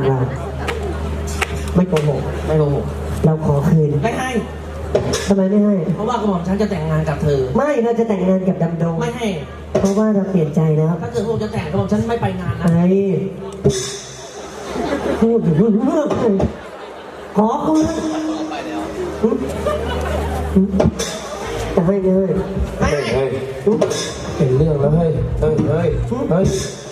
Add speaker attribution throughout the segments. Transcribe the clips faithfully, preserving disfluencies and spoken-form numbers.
Speaker 1: เราไม่โกหก
Speaker 2: ไม่โกหก
Speaker 1: เราขอคืน
Speaker 2: ไม่ให้
Speaker 1: ทำไมไม่ให้
Speaker 2: เพราะว่ากระหม่อมฉันจะแต่งงานกับเธอ
Speaker 1: ไม่เราจะแต่งงานกับดำดง
Speaker 2: ไม่ให้
Speaker 1: เพราะว่าเราเปลี่ยนใจแล้ว
Speaker 2: ถ้าเกิดพวกจะแต่งกระหม่อมฉันไม่ไปงานนะ
Speaker 1: ไอ้พูดอยู่เรื่องเลยขอคืนจะให้เลย
Speaker 2: ไม่
Speaker 3: เฮ้ย
Speaker 2: ให้
Speaker 3: เฮ้ยเป็นเรื่องแล้วเฮ้ยเฮ้ยเฮ้ยเฮ้ย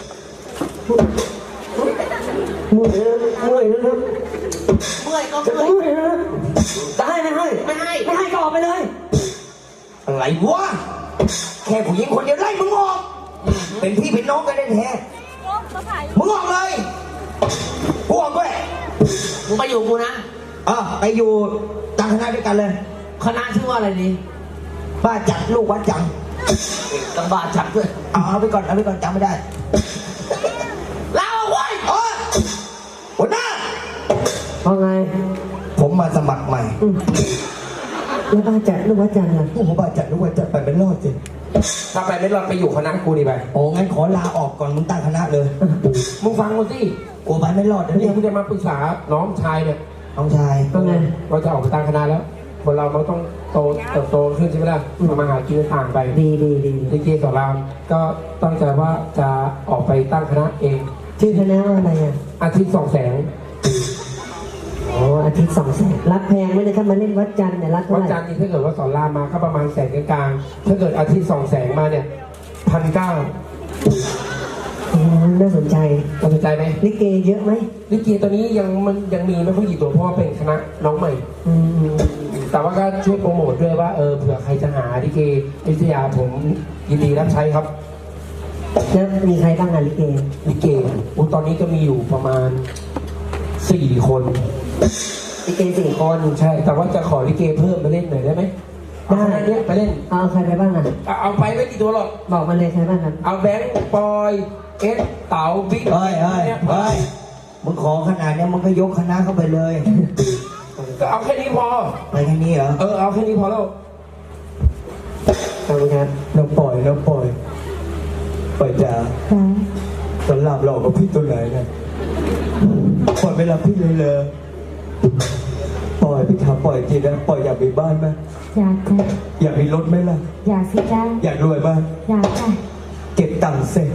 Speaker 1: เมื่อยแล้วเมื่อยแล้วครับ
Speaker 2: เมื่อยก็
Speaker 1: จะ
Speaker 2: เมื่อย
Speaker 1: เมื่อยแล้วจะให้ไม่ให้
Speaker 2: ไม่ให้
Speaker 1: ไม่ให้ก็ออกไปเลย
Speaker 4: อะไรวะแค่ผู้หญิงคนเดียวไล่มึงออกเป็นพี่เป็นน้องกันได้แท้มึงออกเลยกูออกด้วย
Speaker 2: มึงไปอยู่กูนะ
Speaker 4: เออไปอยู่ตั้งคณะด้วยกันเลย
Speaker 2: คณะชื่อว่าอะไรดี
Speaker 4: บ้าจัดลูกวัดจัง
Speaker 2: ตังบาจับด้วย
Speaker 4: เอาเอาไปก่อนเอาไปก่อนจำไม่ได้
Speaker 2: ลาออกเว้ย
Speaker 4: เออหัวหน้า
Speaker 1: เพราะไง
Speaker 4: ผมมาสมัครใหม่
Speaker 1: อืมแล้วบ้านจัดลูกวัดจันทร์ล่ะ
Speaker 4: โอ้โหบ้าจัดลูกวัดจัดไปเป็นรอดสิ
Speaker 3: ถ้าไปไม่รอดไปอยู่คณะกูดีไป
Speaker 4: โอ้งั้นขอลาออกก่อนมึงตั้งคณะเลย
Speaker 3: มึงฟังกูสิ
Speaker 4: กลัวไปไม่รอดนะ
Speaker 3: เนี่
Speaker 4: เนี่ย ย
Speaker 3: มึงจะมาปรึกษาน้องชายเนี่ย
Speaker 4: น้องชาย
Speaker 1: เพราะไง
Speaker 3: เราจะออกไปตั้งคณะแล้วคนเรามันต้องโตเติบโตขึ้นใช่ไหมล่ะทำมาหากินต่างไป
Speaker 1: ดีดีดี
Speaker 3: ลิเกสอนรามก็ตั้งใจว่าจะออกไปตั้งคณะเอง
Speaker 1: ชื่อคณะว่าอะไรอ่ะ
Speaker 3: อาทิตย์สองแสง
Speaker 1: โอ้อาทิตย์สองแสนรับแพงไหมเนี่ยถ้ามาเล่นวัดจันทร์เนี่ยรับเท่า
Speaker 3: วั
Speaker 1: ไห
Speaker 3: น
Speaker 1: ร่
Speaker 3: จันทร์นี่ถ้าเกิดว่าสอนรามมาก็ประมาณแสนกลางๆถ้าเกิดอาทิตย์สองแสงมาเนี่ยพันเก้า
Speaker 1: โอ้น่าสนใจ
Speaker 3: สนใจไหม
Speaker 1: ลิเกเยอะไหม
Speaker 3: ลิเกตัวนี้ยังมันยังมีไม่ค่อยกี่ตัวเพราะว่าเป็นคณะน้องใหม่
Speaker 1: อืม
Speaker 3: แต่ว่าก็ช่วยโปรโมทด้วยว่าเออเผื่อใครจะหาลิเกวิทยาผมยินดีรับใช้ครับ
Speaker 1: แล้วมีใครบ้างอ่ะลิเก
Speaker 3: ลิเกอุยตอนนี้ก็มีอยู่ประมาณสี่คน
Speaker 1: ลิเกสี่คน
Speaker 3: ใช่ แต่ว่าจะขอลิเกเพิ่มมาเล่นหน่อยได้ไหม
Speaker 1: ได้
Speaker 3: เอาคณะเนี้ยไปเล่น
Speaker 1: เอาใครไปบ้างอ่ะ
Speaker 3: เอาเอาไปไม่กี่ตัวหรอก
Speaker 1: บอกมาเลยใครบ้างครับ
Speaker 3: เอาแบงค์ปอยเอสเต๋าบิ๊ก
Speaker 4: เฮ้ยเฮ้ย
Speaker 3: นี่
Speaker 4: เฮ้ยมึงขอขนาดเนี้ยมึงก็ยกคณะเข้าไปเลย
Speaker 3: ก็เอาแค่นี้พอ
Speaker 4: ไปแค่นี้เหรอ
Speaker 3: เออเอาแค่นี้พอแล้ว
Speaker 1: ขอบคุณครับ
Speaker 4: น้องปล่อยน้องปล่อยปล่อยจ๋าตอนหลับหลอกกับพี่ตัวไหนเนี่ยปล่อยไม่รับพี่เลยเลยปล่อยพี่ถามปล่อยจริงนะปล่อยอยากมีบ้านไหม
Speaker 5: อยากจ้ะ
Speaker 4: อยากมีรถไหมล่ะ
Speaker 5: อยากสิจ้า
Speaker 4: อยากรวยไหม
Speaker 5: อยากจ้ะ
Speaker 4: เก็บตังค์เสร็จ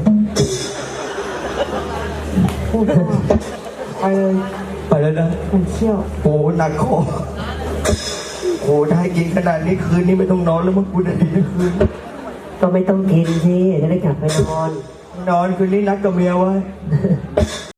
Speaker 5: พูดว่า
Speaker 1: ไปเลย
Speaker 4: ไปแล้วนะ
Speaker 5: มันเที่ยว
Speaker 4: โอ้หนักคอโอ้ได้กินขนาดนี้คืนนี้ไม่ต้องนอนแล้วมึงกูจะดีทั้งคืน
Speaker 1: ก็ไม่ต้องกินสิจะได้กลับไปนอน
Speaker 4: นอนคืนนี้นัดกับเมียไว้